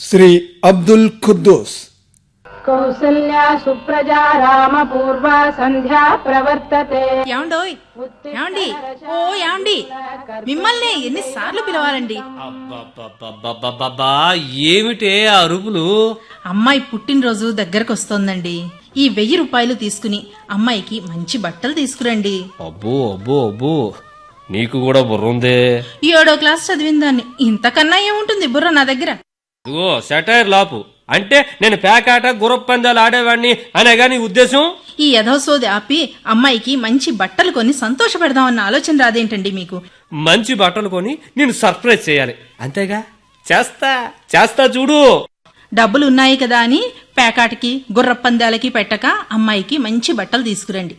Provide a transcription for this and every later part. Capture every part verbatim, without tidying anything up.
శ్రీ అబ్దుల్ ఖుద్దూస్. కౌసల్యా సుప్రజా రామ పూర్వ సంధ్యా ప్రవర్తతే. యాండోయ్ యాండి ఓ యాండి, మిమ్మల్ని ఎన్నిసార్లు పిలవాలండి? అబ్బబ్బబ్బబ్బబ్బబ్బా, ఏమిటే ఆ అరుపులు? అమ్మాయి పుట్టినరోజు దగ్గరకు వస్తోందండి. ఈ వెయ్యి రూపాయలు తీసుకుని అమ్మాయికి మంచి బట్టలు తీసుకురండి. అబ్బో అబ్బో అబ్బో, నీకు కూడా బుర్ర ఉందే. ఏడో క్లాస్ చదివిన దాన్ని ఇంతకన్నా ఏముంటుంది బుర్ర నా దగ్గర. ఇదిగో సెటైర్ లాపు అంటే నేను పేకాట గుర్రపు పందాలు ఆడేవాడిని అనేగా నీ ఉద్దేశం? ఈ యథోసోది ఆపి అమ్మాయికి మంచి బట్టలు కొని సంతోషపెడదామన్న ఆలోచన రాదేంటండి మీకు? మంచి బట్టలు కొని నేను సర్ప్రైజ్ చేయాలి అంతేగా. చేస్తా చేస్తా చూడు. డబ్బులు ఉన్నాయి కదా అని పేకాటికి గుర్రపందాలకి పెట్టక అమ్మాయికి మంచి బట్టలు తీసుకురండి.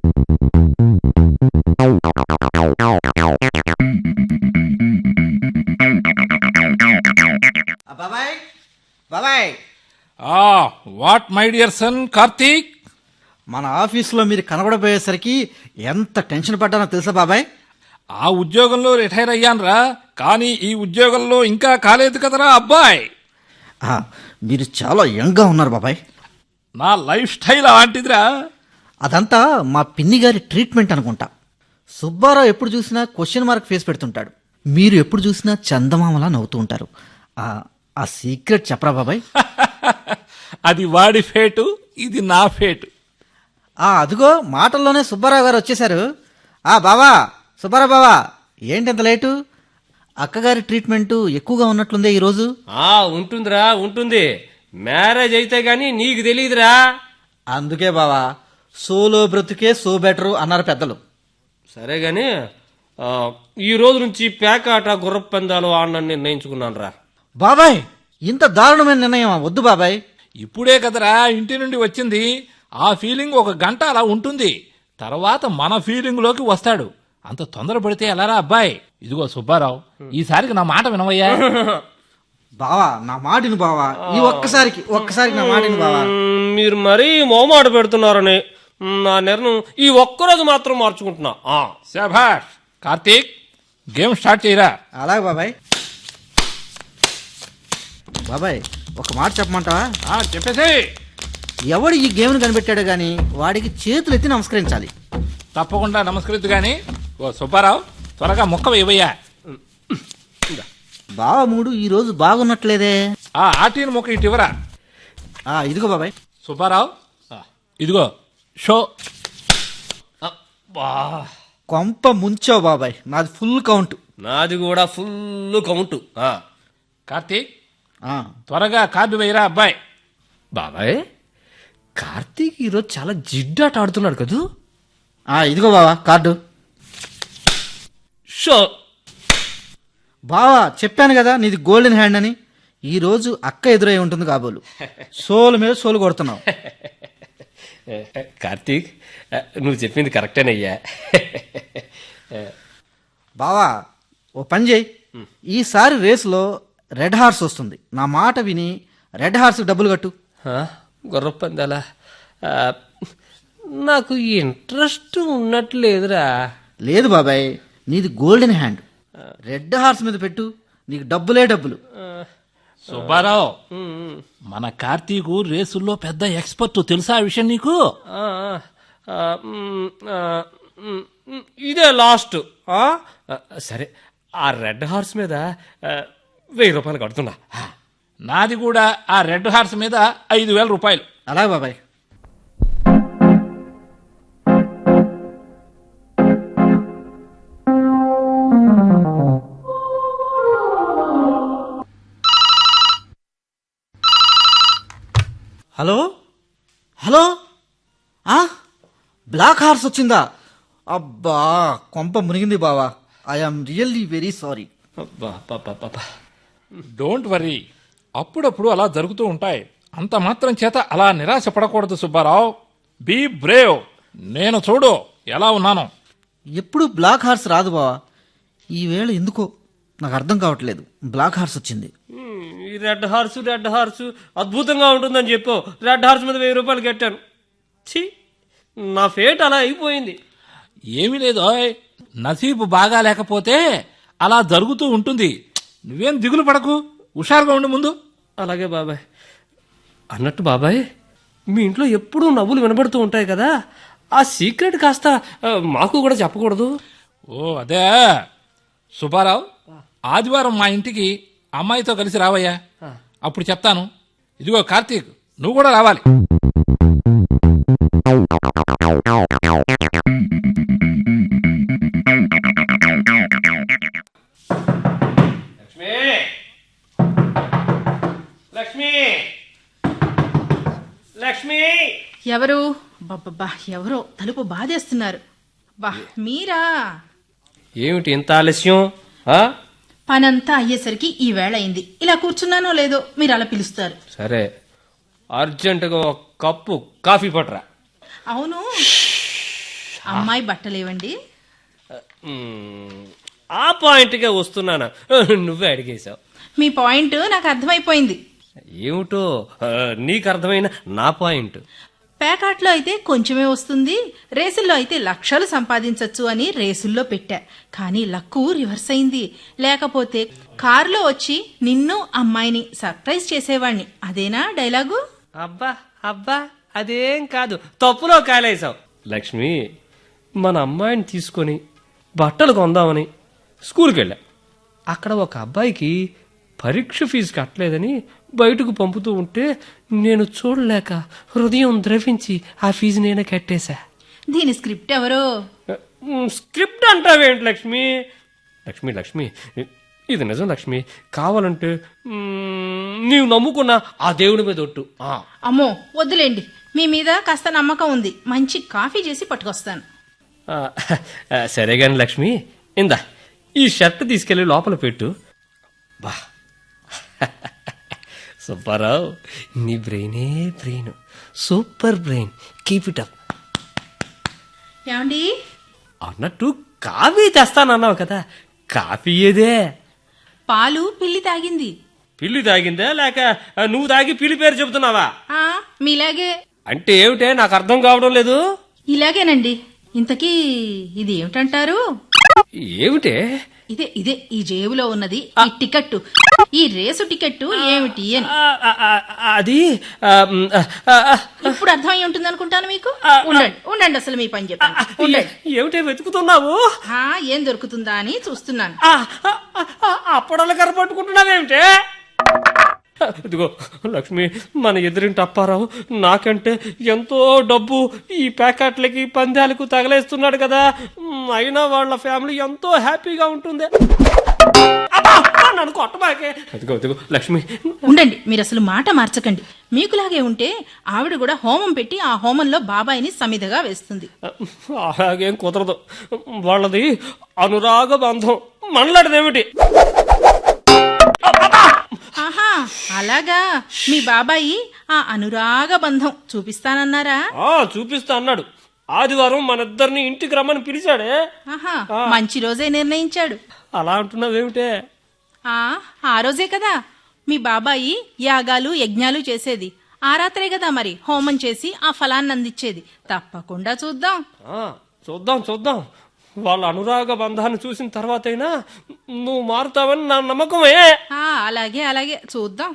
బాబాయ్ బాబాయ్ what my dear son Karthik? మన ఆఫీసులో మీరు కనబడబోయేసరికి ఎంత టెన్షన్ పడ్డానో తెలుసా బాబాయ్? ఆ ఉద్యోగంలో రిటైర్ అయ్యానురా, కానీ ఈ ఉద్యోగంలో ఇంకా కాలేదు కదరా అబ్బాయ్. ఆ, మీరు చాలా యంగ్గా ఉన్నారు బాబాయ్. నా లైఫ్ స్టైల్ అలాంటిదిరా. అదంతా మా పిన్ని గారి ట్రీట్మెంట్ అనుకుంటా. సుబ్బారావు ఎప్పుడు చూసినా క్వశ్చన్ మార్క్ ఫేస్ పెడుతుంటాడు, మీరు ఎప్పుడు చూసినా చందమామలా నవ్వుతూ ఉంటారు. ఆ ఆ సీక్రెట్ చెప్పరా బాబాయ్? అది వాడి ఫేటు, ఇది నా ఫేటు. ఆ అదిగో మాటల్లోనే సుబ్బారావు గారు వచ్చేశారు. ఆ బావా సుబ్బారావు బావా, ఏంటి ఇంత లేటు? అక్కగారి ట్రీట్మెంట్ ఎక్కువగా ఉన్నట్లుందే ఈరోజు. ఆ ఉంటుందిరా ఉంటుంది, మ్యారేజ్ అయితే గాని నీకు తెలియదురా. అందుకే బావా సోలో బ్రతుకే సో బెటరు అన్నారు పెద్దలు. సరే గాని ఈ రోజు నుంచి పేకాట గుర్రపు పందాలు ఆడనని నిర్ణయించుకున్నాను రా. బాబాయ్ ఇంత దారుణమైన నిర్ణయం వద్దు బాబాయ్. ఇప్పుడే కదరా ఇంటి నుండి వచ్చింది. ఆ ఫీలింగ్ ఒక గంట అలా ఉంటుంది, తర్వాత మన ఫీలింగ్ లోకి వస్తాడు. అంత తొందర పడితే ఎలారా అబ్బాయి? ఇదిగో సుబ్బారావు, ఈసారికి నా మాట వినవయ్యా. బావా నా మాటిని బావా, ఈ ఒక్కసారికి ఒక్కసారికి నా మాటిని బావా. మ్మ్, మీరు మరీ మోమాట పెడుతున్నారని నా నిర్ణయం ఈ ఒక్కరోజు మాత్రం మార్చుకుంటున్నా. ఆ శభాష్ కార్తీక్, గేమ్ స్టార్ట్ చేయరా. అలాగే బాబాయ్. బాబాయ్ ఒక మాట చెప్పమంటావా? ఆ, చెప్పేసి. ఎవడు ఈ గేమ్ను కనిపెట్టాడు గాని వాడికి చేతులు ఎత్తి నమస్కరించాలి. తప్పకుండా నమస్కరిద్దు గాని. ఓ సుబ్బారావు, త్వరగా ముక్క వేయవయ్యా. బావ మూడు ఈ రోజు బాగున్నట్లేదే. ఆ ఆటీని ముక్క ఇటు ఇవ్వరా. ఆ ఇదిగో బాబాయ్. సుబ్బారావు, ఆ, ఇదిగో షో. అబ్బా, కొంప ముంచావు బాబాయ్, నాది ఫుల్ కౌంట్. నాది కూడా ఫుల్ కౌంటు. ఆ కార్తీక్ ఆ, త్వరగా కార్డు వేయరా అబ్బాయి. బాబాయ్, కార్తీక్ ఈరోజు చాలా జిడ్డాట ఆడుతున్నాడు కదూ. ఆ ఇదిగో బావా కార్డు. షో. బావా చెప్పాను కదా నీది గోల్డెన్ హ్యాండ్ అని. ఈ రోజు అక్క ఎదురై ఉంటుంది కాబోలు. సోలు మీద సోలు కొడుతున్నావు. కార్తీక్, నువ్వు చెప్పింది కరెక్టేనయ్యా. బావా ఓ పని చేయి, ఈసారి రేసులో రెడ్ హార్స్ వస్తుంది. నా మాట విని రెడ్ హార్స్ డబ్బులు కట్టు. గుర్రపు పందాలా? ఆ, నాకు ఇంట్రెస్ట్ ఉన్నట్లేదురా. లేదు బాబాయ్, నీది గోల్డెన్ హ్యాండ్. రెడ్ హార్స్ మీద పెట్టు, నీకు డబ్బులే డబ్బులు. సుబ్బారావు, మన కార్తీకు రేసుల్లో పెద్ద ఎక్స్పర్ట్, తెలుసా ఆ విషయం నీకు? ఆ, ఆ, మ్, ఆ, మ్, మ్, ఇదే లాస్ట్. ఆ, సరే, ఆ రెడ్ హార్స్ మీద ఆ, వెయ్యి రూపాయలు కడుతున్నా. నాది కూడా ఆ రెడ్ హార్స్ మీద ఐదు వేల రూపాయలు. అలాగే బాబాయ్. హలో హలో ఆ బ్లాక్ హార్స్ వచ్చిందా? అబ్బా కొంప మునిగింది బావా. I'm really very sorry. అబ్బా, పాపా, పాపా. డోంట్ వరీ, అప్పుడప్పుడు అలా జరుగుతూ ఉంటాయి. అంత మాత్రం చేత అలా నిరాశ పడకూడదు సుబ్బారావు. Be Brave. నేను చూడు ఎలా ఉన్నాను. ఎప్పుడు బ్లాక్ హార్స్ రాదు బావా, ఈవేళ ఎందుకో నాకు అర్థం కావట్లేదు. బ్లాక్ హార్స్ వచ్చింది. మ్, ఈ రెడ్ హార్స్ రెడ్ హార్స్ అద్భుతంగా ఉంటుందని చెప్పు రెడ్ హార్స్ మీద వెయ్యి రూపాయలు కట్టాను. ఛీ, నా ఫేట్ అలా అయిపోయింది. ఏమీ లేదు, నసీబు బాగా లేకపోతే అలా జరుగుతూ ఉంటుంది. నువ్వేం దిగులు పడకు, హుషారుగా ఉండు ముందు. అలాగే బాబాయ్. అన్నట్టు బాబాయ్, మీ ఇంట్లో ఎప్పుడూ నవ్వులు వినబడుతూ ఉంటాయి కదా, ఆ సీక్రెట్ కాస్త ఆ, మాకు కూడా చెప్పకూడదు? ఓ అదే సుబ్బారావు, ఆదివారం మా ఇంటికి అమ్మాయితో కలిసి రావయ్యా, అప్పుడు చెప్తాను. ఇదిగో కార్తీక్, నువ్వు కూడా రావాలి. లక్ష్మి, లక్ష్మి, లక్ష్మి. ఎవరు? బాబ్బా, ఎవరో తలుపు బాధేస్తున్నారు. బా, మీరా? ఏమిటి ఇంత ఆలస్యం? ఆ? పనంతా అయ్యేసరికి ఈ వేళ అయింది. ఇలా కూర్చున్నానో లేదో మీరు అలా పిలుస్తారు. సరే, అర్జెంటుగా ఒక కప్పు కాఫీ పట్టరా. అవును, అమ్మాయి బట్టలేవండి? మ్, ఆ పాయింట్గా వస్తున్నానా, నువ్వే అడిగేశావు. మీ పాయింట్ నాకు అర్థమైపోయింది. ఏమిటో ఆ, నీకు అర్థమైన నా పాయింట్. పేకాట్లో అయితే కొంచెమే వస్తుంది, రేసుల్లో అయితే లక్షలు సంపాదించొచ్చు అని రేసుల్లో పెట్టా. కానీ లక్కు రివర్స్ అయింది. లేకపోతే కారులో వచ్చి నిన్ను అమ్మాయిని సర్ప్రైజ్ చేసేవాణ్ణి. అదేనా డైలాగు? అబ్బా అబ్బా, అదేం కాదు, తప్పులో కాలేసావు. లక్ష్మి, మన అమ్మాయిని తీసుకొని బట్టలు కొందామని స్కూల్కి వెళ్ళా. అక్కడ ఒక అబ్బాయికి పరీక్ష ఫీజు కట్టలేదని బయటకు పంపుతూ ఉంటే నేను చూడలేక హృదయం ద్రవించి ఆ ఫీజు నేనే కట్టేశా. దీని స్క్రిప్ట్ ఎవరో? మ్, స్క్రిప్ట్ అంటావేంటి లక్ష్మి? లక్ష్మి లక్ష్మి ఇది నిజం లక్ష్మి. కావాలంటే మ్, నీవు నమ్ముకున్న ఆ దేవుడి మీద ఒట్టు. ఆ. అమ్మో వద్దులేండి, మీ మీద కాస్త నమ్మకం ఉంది. మంచి కాఫీ చేసి పట్టుకొస్తాను. ఆ, సరే గాని లక్ష్మి, ఇందా ఈ షర్ట్ తీసుకెళ్లి లోపల పెట్టు. బా, సుబ్బారావు, నీ బ్రెయినే brain, super brain, keep it up. ఏమండి? అన్నట్టు కాఫీ తెస్తానన్నావు కదా, కాఫీ ఏదే? పాలు పిల్లి తాగింది. పిల్లి తాగిందా లేక నువ్వు తాగి పిల్లి పేరు చెబుతున్నావా? ఆ మీలాగే. అంటే ఏమిటే, నాకు అర్థం కావడం లేదు. ఇలాగేనండి. ఇంతకీ ఇది ఏమిటంటారు? ఏమిటే? ఇదే ఇదే ఈ జేబులో ఉన్నది ఈ టికెట్టు, ఈ రేసు టికెట్టు ఏమిటి అని. ఆ, ఆ, ఆ, అది ఆ, మ్, ఆ, ఆ, ఇప్పుడు అర్థమై ఉంటుంది అనుకుంటాను మీకు. ఉండండి ఉండండి, అసలు మీ పని చెప్పండి. ఉండండి. ఏమిటే వెతుకుతున్నావు? ఆ, ఏం దొరుకుతుందా అని చూస్తున్నాను. ఆ, ఆ, ఆ, అప్పడాల కర్ర పట్టుకుంటున్నావేమిటే? ఇదిగో లక్ష్మి, మన ఎదురింటి అప్పారావు నాకంటే ఎంతో డబ్బు ఈ ప్యాకెట్లకి పందాలకు తగలేస్తున్నాడు కదా, మ్, అయినా వాళ్ళ ఫ్యామిలీ ఎంతో హ్యాపీగా ఉంటుంది. అబ్బా, నన్ను కొట్టబాకే. అదిగో అదిగో లక్ష్మి. ఉండండి, మీరు అసలు మాట మార్చకండి. మీకులాగే ఉంటే ఆవిడ కూడా హోమం పెట్టి ఆ హోమంలో బాబాయిని సమిధగా వేస్తుంది. అలాగేం కుదరదు, వాళ్ళది అనురాగ బంధం, మనలాంటిదేమిటి? ఆహా, అలాగా. మీ బాబాయి ఆ అనురాగ బంధం చూపిస్తానన్నారా? ఆ చూపిస్తా అన్నాడు. ఆదివారం మనిద్దరిని ఇంటికి రమ్మని పిలిచాడే. ఆహా, మంచి రోజే నిర్ణయించాడు. అలా అంటున్నావేమిటే? ఆ ఆ రోజే కదా మీ బాబాయి యాగాలు యజ్ఞాలు చేసేది. ఆ రాత్రే కదా మరి హోమం చేసి ఆ ఫలాన్ని అందించేది. తప్పకుండా చూద్దాం. ఆ, చూద్దాం చూద్దాం. వాళ్ళ అనురాగ బంధాన్ని చూసిన తర్వాతైనా నువ్వు మారుతావని నా నమ్మకమే. ఆ అలాగే అలాగే చూద్దాం.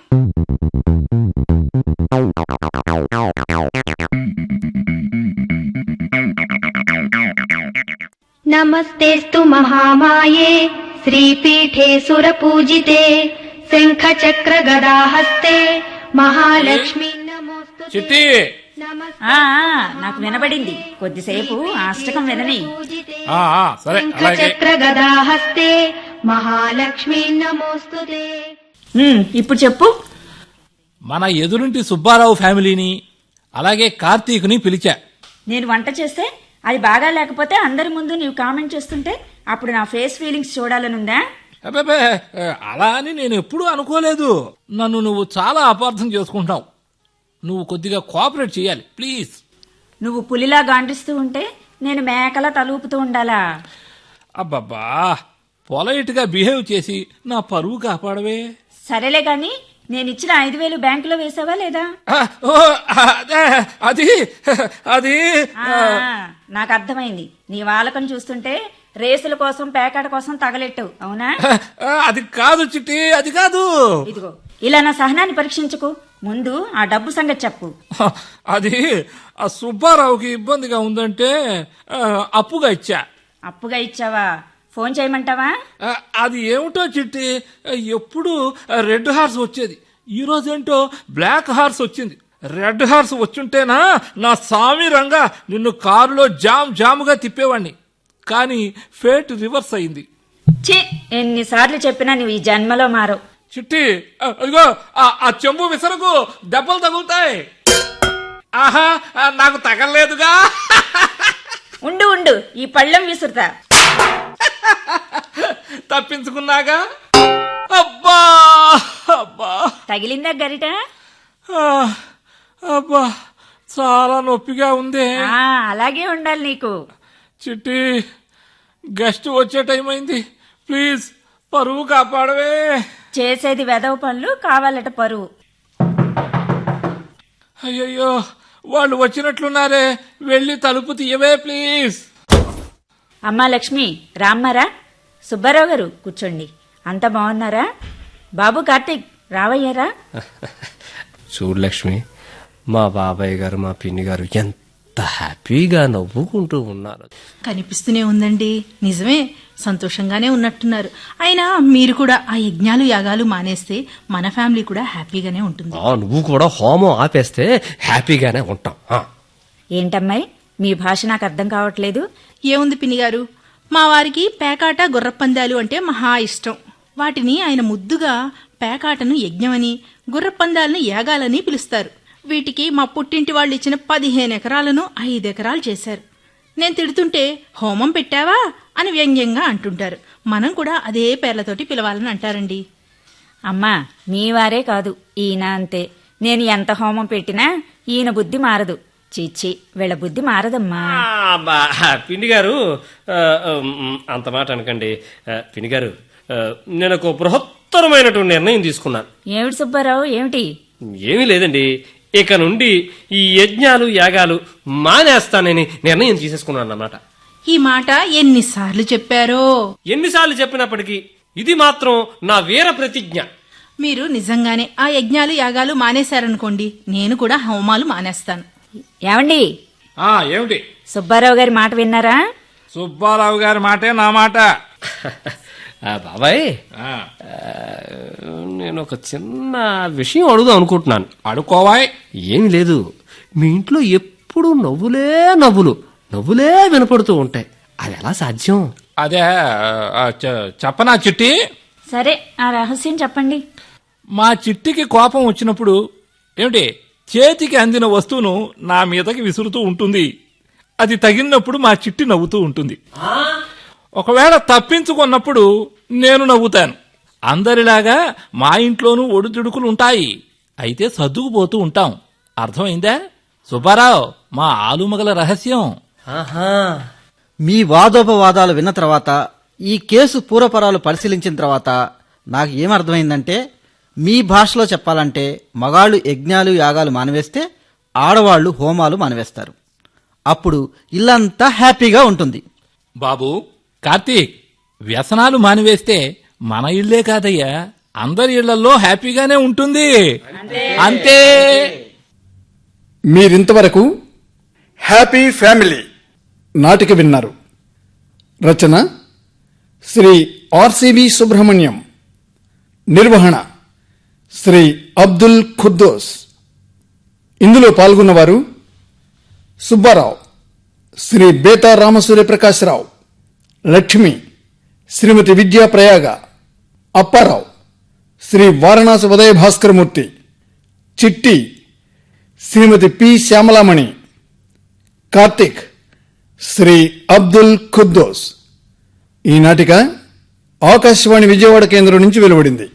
నమస్తేస్తు మహామాయే శ్రీపీఠే సురపూజితే శంఖచక్ర గదాహస్తే మహాలక్ష్మి నమోస్తు. చిట్టి, ఆ ఆ, నాకు వినబడింది. కొద్దిసేపు అష్టకం వినని. ఆ, ఆ, సరే అలాగే. శంఖచక్ర గదాహస్తే మహాలక్ష్మి నమోస్తుతే. ఉమ్, ఇప్పుడు చెప్పు. మన ఎదురింటి సుబ్బారావు ఫ్యామిలీని అలాగే కార్తీక్ని పిలిచా. నేను వంట చేస్తే అది బాగా లేకపోతే అందరి ముందు నీవు కామెంట్ చేస్తుంటే అప్పుడు నా ఫేస్ ఫీలింగ్స్ చూడాలనుందా? అబ్బే, అలా అని నేను ఎప్పుడూ అనుకోలేదు. నన్ను నువ్వు చాలా అపార్థం చేసుకుంటావు. నువ్వు కొద్దిగా కోఆపరేట్ చేయాలి ప్లీజ్. నువ్వు పులిలా గాండిస్తూ ఉంటే నేను మేకలా తలూపుతూ ఉండాలా? అబ్బబ్బా, పొలైట్ గా బిహేవ్ చేసి నా పరువు కాపాడవే. సరేలే గాని నేనిచ్చిన ఐదు వేలు బ్యాంకులో వేసావా లేదా? ఆ, ఓ, అదే, అది అది ఆ, నాకు అర్థమైంది. నీ వాలకం చూస్తుంటే రేసుల కోసం పేకాట కోసం తగలెట్టావు, అవునా? ఆ, అది కాదు చిట్టి, అది కాదు. ఇదిగో ఇలా నా సహనాన్ని పరీక్షించకు. ముందు ఆ డబ్బు సంగతి చెప్పు. హ, అది ఆ సుబ్బారావుకి ఇబ్బందిగా ఉందంటే ఆ, అప్పుగా ఇచ్చా. అప్పుగా ఇచ్చావా? ఫోన్ చేయమంటావా? ఆ, అది ఏమిటో చిట్టి, ఎప్పుడు రెడ్ హార్స్ వచ్చేది, ఈ రోజేంటో బ్లాక్ హార్స్ వచ్చింది. రెడ్ హార్స్ వచ్చుంటేనా నా సామి రంగా నిన్ను కారులో జామ్ జాముగా తిప్పేవాణ్ణి. కానీ ఫేట్ రివర్స్ అయింది. ఛీ, ఎన్నిసార్లు చెప్పినా నువ్వు ఈ జన్మలో మారవు. చిట్టి, ఆ, అదిగో ఆ- ఆ చెంబు విసరకు, దెబ్బలు తగులుతాయి. ఆహా, ఆ, నాకు తగలలేదుగా. ఉండు ఉండు, ఈ పళ్ళెం విసురుతా. తప్పించుకున్నాగా. అబ్బా అబ్బా తగిలిందా గరిట? ఆ, అబ్బా చాలా నొప్పిగా ఉంది. ఆ, అలాగే ఉండాలి నీకు. చిట్టి, గెస్ట్ వచ్చే టైం అయింది, ప్లీజ్ పరువు కాపాడవే. చేసేది వెదవ పనులు, కావాలట పరువు. అయ్యయ్యో, వాళ్ళు వచ్చినట్లున్నారే, వెళ్ళి తలుపు తీయవే ప్లీజ్. అమ్మా లక్ష్మి, రామ్మారా? సుబ్బారావు గారు కూర్చోండి. అంతా బాగున్నారా? బాబు కార్తీక్ రావయ్యారా? చూడు లక్ష్మి, మా బాబాయ్ గారు మా పిన్ని గారు ఎంత హ్యాపీగా నవ్వుకుంటూ ఉన్నారు. కనిపిస్తూనే ఉందండి. నిజమే, సంతోషంగానే ఉన్నట్టున్నారు. అయినా మీరు కూడా ఆ యజ్ఞాలు యాగాలు మానేస్తే మన ఫ్యామిలీ కూడా హ్యాపీగానే ఉంటుంది. ఆ, నువ్వు కూడా హోమం ఆపేస్తే హ్యాపీగానే ఉంటాం. ఆ. ఏంటమ్మాయి, మీ భాష నాకు అర్థం కావట్లేదు. ఏముంది పిన్ని గారు, మా వారికి పేకాట గుర్రపందాలు అంటే మహా ఇష్టం. వాటిని ఆయన ముద్దుగా పేకాటను యజ్ఞమని, గుర్రపందాలను యాగాలని పిలుస్తారు. వీటికి మా పుట్టింటి వాళ్ళు ఇచ్చిన పదిహేను ఎకరాలను ఐదు ఎకరాలు చేశారు. నేను తిడుతుంటే హోమం పెట్టావా అని వ్యంగ్యంగా అంటుంటారు. మనం కూడా అదే పేర్లతోటి పిలవాలని అంటారండి. అమ్మా, మీ వారే కాదు, ఈయన అంతే. నేను ఎంత హోమం పెట్టినా ఈయన బుద్ధి మారదు. చీచి, వీళ్ళ బుద్ధి మారదమ్మా. ఆ, బా, పిన్ని గారు, ఆ, ఉమ్, అంత మాట అనకండి. ఆ, పిన్ని గారు, ఆ, నేను ఒక బృహత్తరమైనటువంటి నిర్ణయం తీసుకున్నాను. ఏమిటి సుబ్బారావు, ఏమిటి? ఏమీ లేదండి, ఇక నుండి ఈ యజ్ఞాలు యాగాలు మానేస్తానని నిర్ణయం తీసేసుకున్నాను అన్నమాట. ఈ మాట ఎన్నిసార్లు చెప్పారో. ఎన్నిసార్లు చెప్పినప్పటికీ ఇది మాత్రం నా వీర ప్రతిజ్ఞ. మీరు నిజంగానే ఆ యజ్ఞాలు యాగాలు మానేశారనుకోండి, నేను కూడా హోమాలు మానేస్తాను. ఏమండి, ఆ, ఏమిటి? సుబ్బారావు గారి మాట విన్నారా? సుబ్బారావు గారి మాటే నా మాట. ఆ, బాబాయ్, ఆ, ఆ, నేను ఒక చిన్న విషయం అడుగుదాం అనుకుంటున్నాను. అడుకోవాయ్. ఏమి లేదు, మీ ఇంట్లో ఎప్పుడు నవ్వులే నవ్వులు నవ్వులే వినపడుతూ ఉంటాయి. అది ఎలా సాధ్యం? అదే ఆ, చె- చెప్పనా చిట్టి? సరే, ఆ రహస్యం చెప్పండి. మా చిట్టికి కోపం వచ్చినప్పుడు ఏమిటి, చేతికి అందిన వస్తువును నా మీదకి విసురుతూ ఉంటుంది. అది తగిలినప్పుడు మా చిట్టి నవ్వుతూ ఉంటుంది. ఒకవేళ తప్పించుకున్నప్పుడు నేను నవ్వుతాను. అందరిలాగా మా ఇంట్లోనూ ఒడిదుడుకులు ఉంటాయి, అయితే సర్దుకుపోతూ ఉంటాం. అర్థమైందా సుబ్బారావు, మా ఆలుమగల రహస్యం? ఆహా, మీ వాదోపవాదాలు విన్న తర్వాత, ఈ కేసు పూర్వపరాలు పరిశీలించిన తర్వాత నాకు ఏమర్థమైందంటే, మీ భాషలో చెప్పాలంటే మగాళ్ళు యజ్ఞాలు యాగాలు మానివేస్తే ఆడవాళ్లు హోమాలు మానివేస్తారు. అప్పుడు ఇల్లంతా హ్యాపీగా ఉంటుంది. బాబు కార్తీక్, వ్యసనాలు మానివేస్తే మన ఇళ్లే కాదయ్యా, అందరి ఇళ్లలో హ్యాపీగానే ఉంటుంది. అంతే. మీరింతవరకు హ్యాపీ ఫ్యామిలీ నాటిక విన్నారు. రచన శ్రీ ఆర్సివి సుబ్రహ్మణ్యం, నిర్వహణ శ్రీ అబ్దుల్ ఖుద్దోస్. ఇందులో పాల్గొన్నవారు సుబ్బారావు, శ్రీ బేతా రామసూర్యప్రకాశరావు, లక్ష్మి శ్రీమతి విద్యా ప్రయాగ, అప్పారావు శ్రీ వారణాసి ఉదయ భాస్కరమూర్తి, చిట్టి శ్రీమతి పి శ్యామలామణి, కార్తిక్ శ్రీ అబ్దుల్ ఖుద్దోస్. ఈ నాటిక ఆకాశవాణి విజయవాడ కేంద్రం నుంచి వెలువడింది.